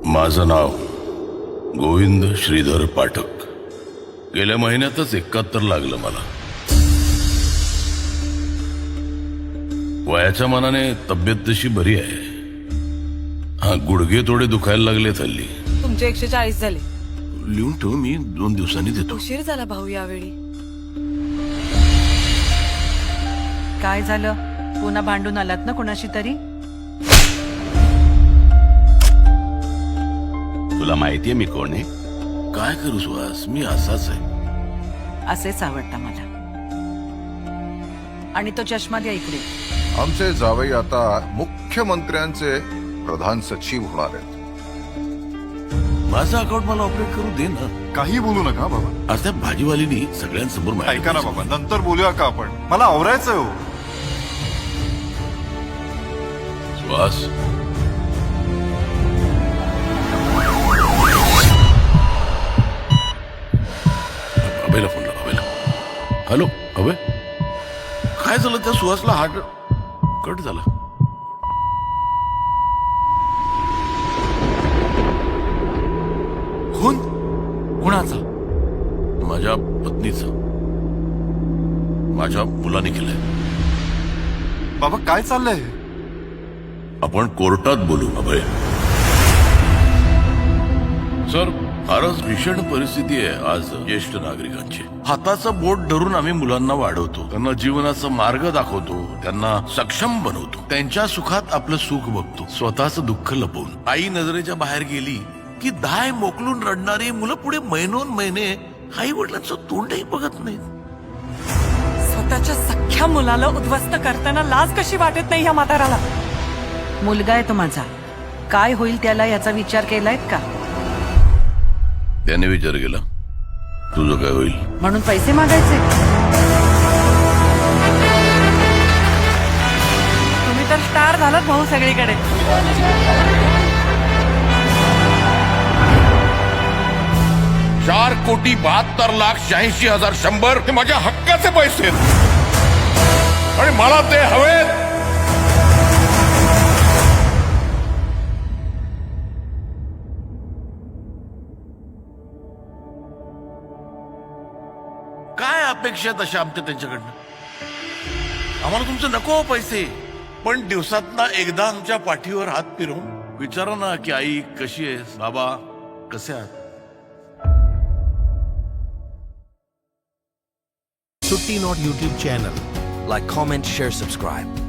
माझं नाव गोविंद श्रीधर पाठक. गेल्या महिन्यातच 71 लागलं मला. वयाच्या मानाने तब्येत तशी बरी आहे. हा, गुडघे थोडे दुखायला लागले हल्ली. तुमचे 140 झाले. लिहून ठेव, मी 2 दिवसांनी देतो. उशीर झाला भाऊ यावेळी. काय झालं? पुन्हा भांडून आलात ना कोणाशी तरी? तुला माहितीये मी कोण आहे? काय करू सुहास, मी असाच आहे. असेच आवडता मला. आणि तो चष्मा द्या इकडे. आमचे जावई आता मुख्यमंत्र्यांचे प्रधान सचिव होणार आहेत. माझं अकाउंट मला ऑपरेट करू दे ना. काही बोलू नका बाबा. आज त्या भाजीवालीनी सगळ्यांसमोर माहिती ऐका ना बाबा, नंतर बोलूया का आपण? मला आवरायचं हो. सुहास, अभयला फोन लाव. अभयला. हॅलो अभय, काय झालं? त्या सुहासला हार्ट कट झाला. खून कुणाचा? माझ्या पत्नीचा, माझ्या मुलाने केलंय. बाबा काय चाललंय? आपण कोर्टात बोलू अभय. सर, फारच भीषण परिस्थिती आहे आज ज्येष्ठ नागरिकांची. हाताचं बोट धरून आम्ही मुलांना वाढवतो, त्यांना जीवनाचा मार्ग दाखवतो, त्यांना सक्षम बनवतो, त्यांच्या सुखात आपलं सुख बघतो, स्वतःच दुःख लपवून. आई नजरेच्या बाहेर गेली की दाय मोकलून रडणारी मुलं पुढे महिनोन महिने आई वडिलांचं तोंडही बघत नाहीत. स्वतःच्या सख्ख्या मुलाला उद्ध्वस्त करताना लाज कशी वाटत नाही या म्हाताराला? मुलगा आहे तो माझा. काय होईल त्याला याचा विचार केलायत का? त्याने विचार केला, तुझं काय होईल? म्हणून पैसे मागायचे? तुम्ही तर स्टार झालात भाऊ सगळीकडे. 4,72,86,100 हे माझ्या हक्काचे पैसे आहेत आणि मला ते हवेत. काय अपेक्षा तशा आमच्या त्यांच्याकडनं? आम्हाला तुमचं नको पैसे, पण दिवसातना एकदा आमच्या पाठीवर हात फिरवून विचारा ना की आई कशी आहेस, बाबा कसे आहात. Sutti Not YouTube channel. Like, comment, share, subscribe.